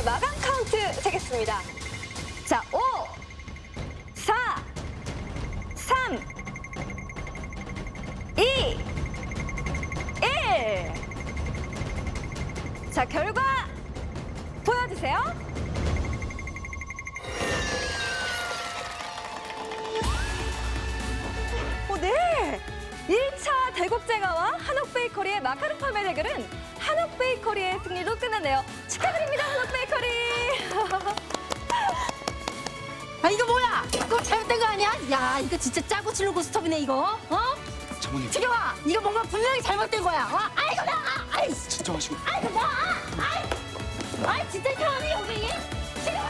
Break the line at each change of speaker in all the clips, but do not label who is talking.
베이커리의 마감 카운트 세겠습니다. 자, 5, 4, 3, 2, 1. 자, 결과 보여주세요. 네. 1차 대국제가와 한옥베이커리의 마카롱 판매 대결은 한옥베이커리의 승리로 끝났네요. 축하드립니다, 한옥베이커리.
아 이거 뭐야? 이거 잘못된 거 아니야? 야 이거 진짜 짜고 치는 고스톱이네 이거. 어?
장모님
지겨워. 이거 뭔가 분명히 잘못된 거야. 아이고 나. 아이.
진정하시고.
아이고 나. 아이 진짜 이상하네 여기. 지겨워.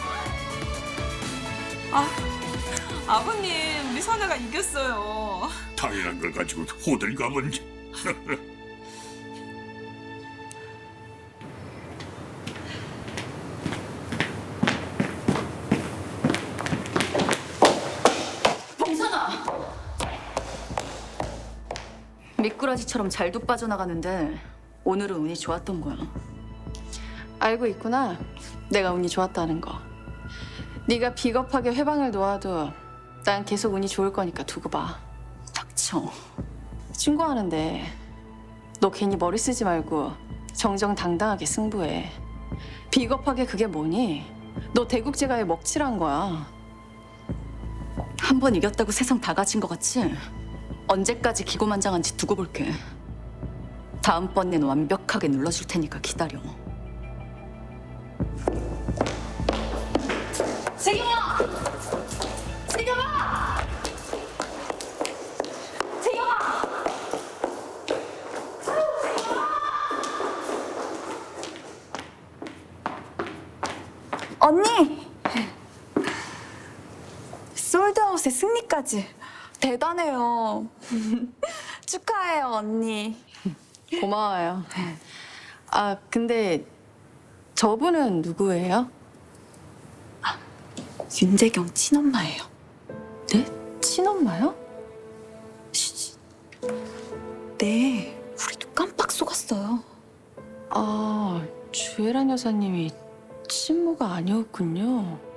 아버님, 우리 선아가 이겼어요.
당연한 걸 가지고 호들갑은.
봉선아.
미꾸라지처럼 잘도 빠져나가는데 오늘은 운이 좋았던 거야. 알고 있구나. 내가 운이 좋았다는 거. 네가 비겁하게 회방을 놓아도 난 계속 운이 좋을 거니까 두고 봐. 닥쳐. 신고하는데 너 괜히 머리 쓰지 말고 정정당당하게 승부해. 비겁하게 그게 뭐니? 너 대국제가에 먹칠한 거야. 한 번 이겼다고 세상 다 가진 거 같지? 언제까지 기고만장한지 두고 볼게. 다음번엔 완벽하게 눌러줄 테니까 기다려.
세경아. 세경아. 세경아.
언니! 솔드아웃의 승리까지 대단해요. 축하해요, 언니.
고마워요. 아, 근데 저분은 누구예요?
윤재경 친엄마예요.
네? 친엄마요?
네, 우리도 깜빡 속았어요.
아, 주애란 여사님이 친모가 아니었군요.